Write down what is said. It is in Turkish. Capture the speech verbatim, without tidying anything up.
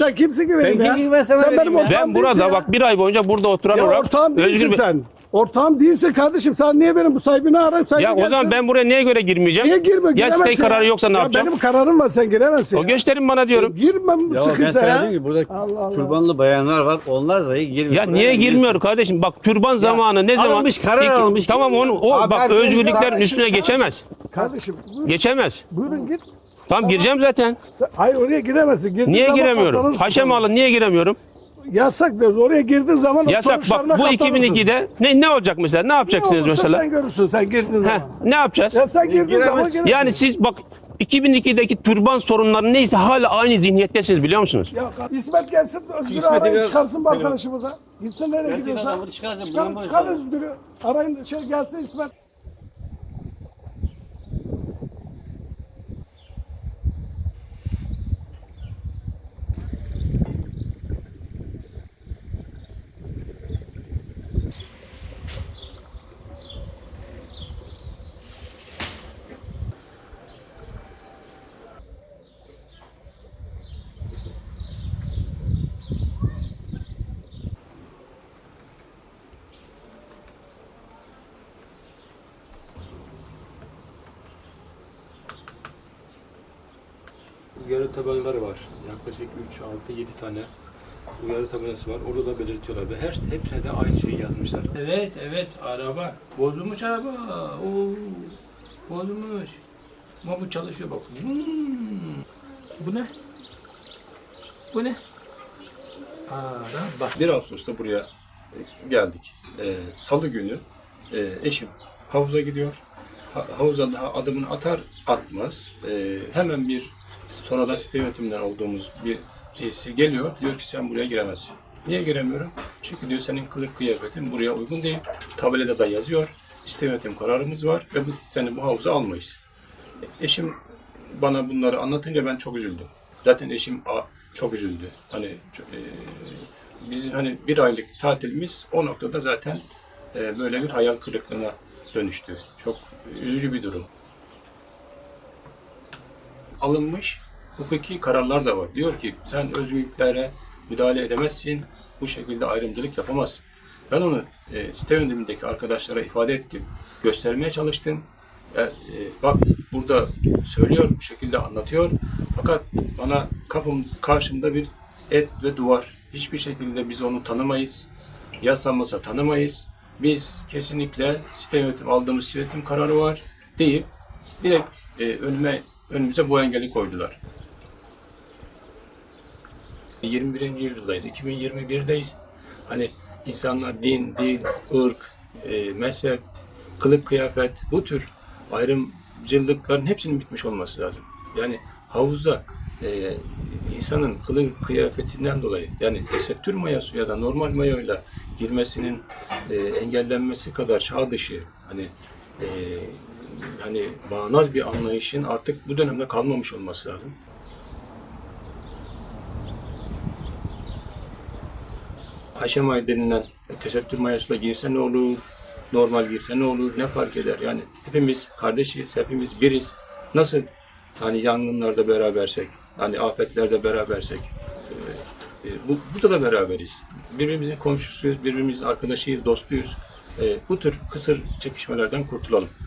sen kimsin ki benim Sen ya? kim ki ben sana sen dedim benim ya? ortağım Ben burada değilsin ya. bak bir ay boyunca burada oturan Ya olarak ortağım değilsin Özgür Bey- sen. Ortağım değilsin kardeşim. Sen niye benim bu sahibini ara sahibi Ya o zaman gelsin. ben buraya neye göre girmeyeceğim? Niye girme? Ya Giremezsin stay kararı yoksa ne ya yapacağım? Benim kararım var, sen giremezsin. O ya. gösterin bana diyorum. Girmem Ya ben sıkıysa sana ya. diyorum ki burada Allah Allah. türbanlı bayanlar var. Onlar dahi girmiyor. Ya niye girmiyor kardeşim? Bak türban zamanı ne zaman? alınmış, karar İki- alınmış. Tamam onu o Abi bak ben- özgürlüklerin Kardeşim, üstüne geçemez. Kardeşim buyurun, Geçemez. buyurun git. Tamam gireceğim zaten. Sen- Hayır oraya giremezsin. Girdiğin Niye zaman giremiyorum? katlanırsın Haşem sonra. alın niye giremiyorum? Yasak diyoruz. Oraya girdiğin zaman Yasak sonuçlarına bak bu katlanırsın. iki bin ikide ne ne olacak mesela? Ne Ne yapacaksınız olursa mesela? sen görürsün sen girdiğin Heh, zaman. ne yapacağız? Ya sen girdiğin zaman giremezsin. giremezsin. Yani siz bak iki bin ikideki türban sorunları neyse hala aynı zihniyettesiniz biliyor musunuz? Ya İsmet gelsin, Özgür'ü İsmet'i arayın biraz- çıkarsın bu arkadaşı burada. Gitsin nereye Gerçekten gidiyorsa. adamı çıkarın, Çıkar, bundan çıkar böyle- Özgür'ü. Arayın şey gelsin İsmet. Uyarı tabelaları var. Yaklaşık üç, altı, yedi tane uyarı tabelası var. Orada da belirtiyorlar ve her hepsine de aynı şeyi yazmışlar. Evet, evet araba. Bozulmuş araba. Oo, bozulmuş. Ama bu çalışıyor bak. Hmm. Bu ne? Bu ne? Araba. bir Ağustos'ta buraya geldik. Ee, Salı günü e, eşim havuza gidiyor. Ha- havuza daha adımını atar atmaz. e, hemen bir sonradan site yönetiminden olduğumuz bir birisi geliyor. Diyor ki sen buraya giremezsin. Niye giremiyorum? Çünkü diyor senin kılık kıyafetin buraya uygun değil. Tabelada da yazıyor. Site yönetim kararımız var ve biz seni bu havuza almayız. Eşim bana bunları anlatınca ben çok üzüldüm. Zaten eşim a, çok üzüldü. Hani e, bizim hani bir aylık tatilimiz o noktada zaten e, böyle bir hayal kırıklığına dönüştü. Çok üzücü bir durum. Alınmış hukuki kararlar da var. Diyor ki sen özgürlüklere müdahale edemezsin, bu şekilde ayrımcılık yapamazsın. Ben onu e, site yönetimindeki arkadaşlara ifade ettim, göstermeye çalıştım. E, e, bak burada söylüyor, bu şekilde anlatıyor. Fakat bana kapım karşımda bir et ve duvar. Hiçbir şekilde biz onu tanımayız. Yasamasa tanımayız. Biz kesinlikle site yönetim aldığımız site yönetim kararı var deyip direkt e, önüme önümüze bu engeli koydular. yirmi birinci yüzyıldayız, iki bin yirmi birdeyiz. Hani insanlar din, dil, ırk, e, mezhep, kılık kıyafet, bu tür ayrımcılıkların hepsinin bitmiş olması lazım. Yani havuzda e, insanın kılık kıyafetinden dolayı yani tesettür mayası ya da normal mayoyla girmesinin e, engellenmesi kadar çağ dışı hani e, hani bağnaz bir anlayışın artık bu dönemde kalmamış olması lazım. Haşem ayı denilen tesettür mayasıyla girse ne olur, normal girse ne olur, ne fark eder? Yani hepimiz kardeşiz, hepimiz biriz. Nasıl hani yangınlarda berabersek, hani afetlerde berabersek, e, e, bu, burada da beraberiz. Birbirimizin komşusuyuz, birbirimizin arkadaşıyız, dostuyuz. E, bu tür kısır çekişmelerden kurtulalım.